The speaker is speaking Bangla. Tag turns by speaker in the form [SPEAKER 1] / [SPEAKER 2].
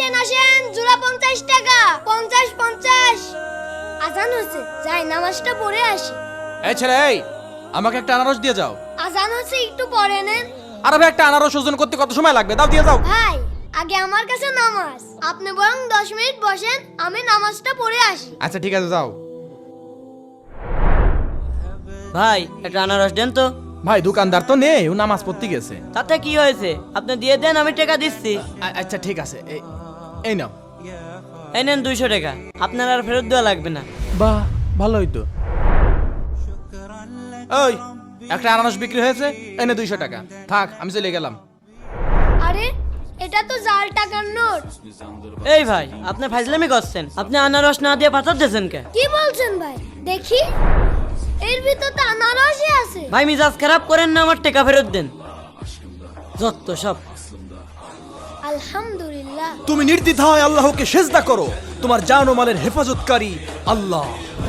[SPEAKER 1] আসেন আসেন, জোড়া 50 টাকা। 50 আজান হচ্ছে, যাই নামাজটা পড়ে আসি।
[SPEAKER 2] এই ছেলে, এই আমাকে একটা আনারস দিয়ে যাও।
[SPEAKER 1] আজান হচ্ছে, একটু পরে নেন।
[SPEAKER 2] আরে ভাই, একটা আনারস ওজন করতে কত সময় লাগবে? দাও, দিয়ে যাও।
[SPEAKER 1] ভাই আগে আমার কাছে নামাজ, আপনি বরং 10 মিনিট বসেন, আমি নামাজটা পড়ে আসি।
[SPEAKER 2] আচ্ছা ঠিক আছে, যাও।
[SPEAKER 3] ভাই একটা আনারস দেন তো।
[SPEAKER 2] ভাই দোকানদার তো নেই, ও নামাজ পড়তে গেছে।
[SPEAKER 3] তাতে কি হয়েছে, আপনি দিয়ে দেন, আমি টাকা দিচ্ছি।
[SPEAKER 2] আচ্ছা ঠিক আছে, এই নাও।
[SPEAKER 3] এই নেন 200 টাকা, আপনার আর ফেরত দেওয়া লাগবে না।
[SPEAKER 2] বাহ, ভালোই তো। ওই একটা আনারস বিক্রি হয়েছে, এনে 200 টাকা। থাক, আমি চলে গেলাম।
[SPEAKER 1] আরে এটা তো জাল টাকার নোট।
[SPEAKER 3] এই ভাই, আপনি ফাজলামি করছেন, আপনি আনারস না দিয়ে পাথর দিয়েছেন কে?
[SPEAKER 1] কি বলছেন ভাই? দেখি, এর ভিতর তো আনারসই আছে।
[SPEAKER 3] ভাই মিজাজ খারাপ করেন না, আমার টাকা ফেরত দেন। যত সব।
[SPEAKER 1] আলহামদুলিল্লাহ।
[SPEAKER 4] তুমি নির্দ্বিধায় আল্লাহকে সেজদা করো, তোমার জান ও মালের হেফাজতকারী আল্লাহ।